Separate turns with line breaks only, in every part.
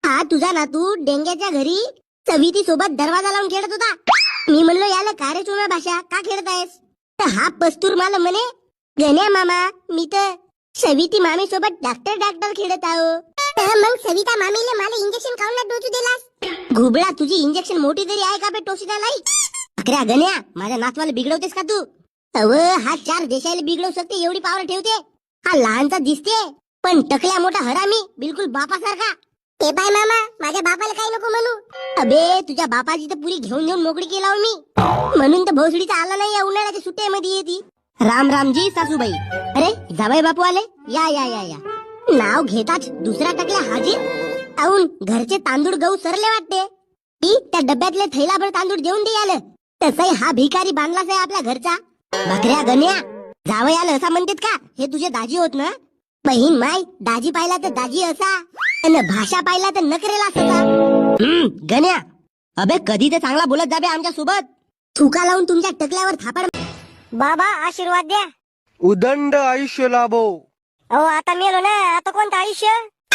हा तुझा नातू डेंग्याच्या घरी सविती सोबत दरवाजा लावून खेळत होता. मी म्हणलो याला का रे चोम्या भाषा का खेळतायस? तर हा पस्तूर मला म्हणे गण्या मामा मी तर सविती मामी सोबत डॉक्टर खेळत आहो. मग सविता मामीले मला इंजेक्शन खाऊन ना डोसू दिलास? घुबळा तुझी इंजेक्शन मोठी तरी आहे का बे टोशीला लाई? अकरा गण्या माझ्या नातवाला बिघडवतेस का तू? अव हा 4 देशाला बिघडवू शकते एवढी पावर ठेवते. हा लहानचा दिसते पण टकल्या मोठा हरामी बिलकुल बापासारखा. ते बाय मामा माझ्या बापाला काही नको म्हणू. अबे तुझ्या बापाची तर पुरी घेऊन मोकळी केला मी म्हणून तर भोसडीचा आला नाही या उन्हाळ्याच्या सुट्ट्यामध्ये येते. राम रामजी सासूबाई. अरे जाबाई बापू आले. या या या या. नाव घेताच दुसरा टकल्या हाजीर आऊन घरचे तांदूळ गहू सरले वाटते. ती त्या डब्यातले थैलाभर तांदूळ देऊन दे आलं. तसंही हा भिकारी बांधलाच आहे आपल्या घरचा. बकऱ्या गण्या जावई आलं असं म्हणतात का? हे तुझे दाजी होत ना? बहीण माय दाजी पाहिला तर दाजी असा आणि भाषा पाहिला तर नकरेला असा. गण्या अबे कधी ते चांगला बोलत जाबे आमच्या सोबत. थुका लावून तुमच्या टकल्यावर थापड. बाबा आशीर्वाद द्या.
उदंड आयुष्य लाभो.
अहो आता मेलो ना आता कोणतं आयुष्य?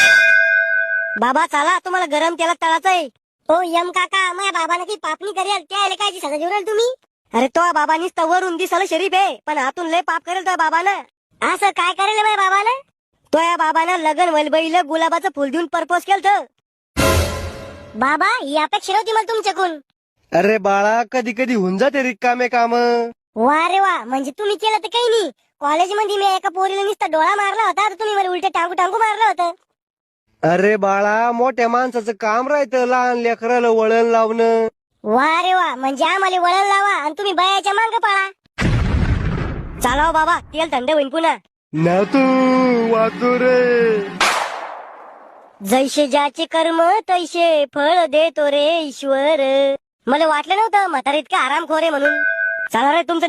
बाबा चला तुम्हाला गरम तेलात तळाचंय. हो यम काका माझ्या बाबाने की पापणी करेल त्याला काय सगळं जेवढाल तुम्ही? अरे तो बाबानीच तर वरून दिसायला शरीफ आहे पण आतून लय पाप करेल तो बाबानं. असं काय करेल माझ्या बाबानं? तो या बाबानं लगन वलबईला गुलाबाचं फुल देऊन प्रपोज केलं. बाबा ही अपेक्षा नव्हती मला तुमच्याकडून.
अरे बाळा कधी कधी होऊन जाते रिकामे काम.
वा रे वा म्हणजे तुम्ही केलं तर काही नाही. कॉलेजमध्ये मी एका पोरीला नुसता डोळा मारला होता तर तुम्ही मला उलट टांगू मारलं होतं.
अरे बाळा मोठ्या माणसाचं काम राहतं लहान लेकराला वळण लावणं.
वा रे वा म्हणजे आम्हाला वळण लावा आणि तुम्ही बयाच्या मांग पळा. चालाव बाबा तेल थंड होईन पुन्हा.
ना तू वाचू रे.
जैसे ज्याचे कर्म तैसे फळ देतो रे ईश्वर. मला वाटलं नव्हतं म्हातारा इतका आरामखोर आहे म्हणून. चला रे तुमचं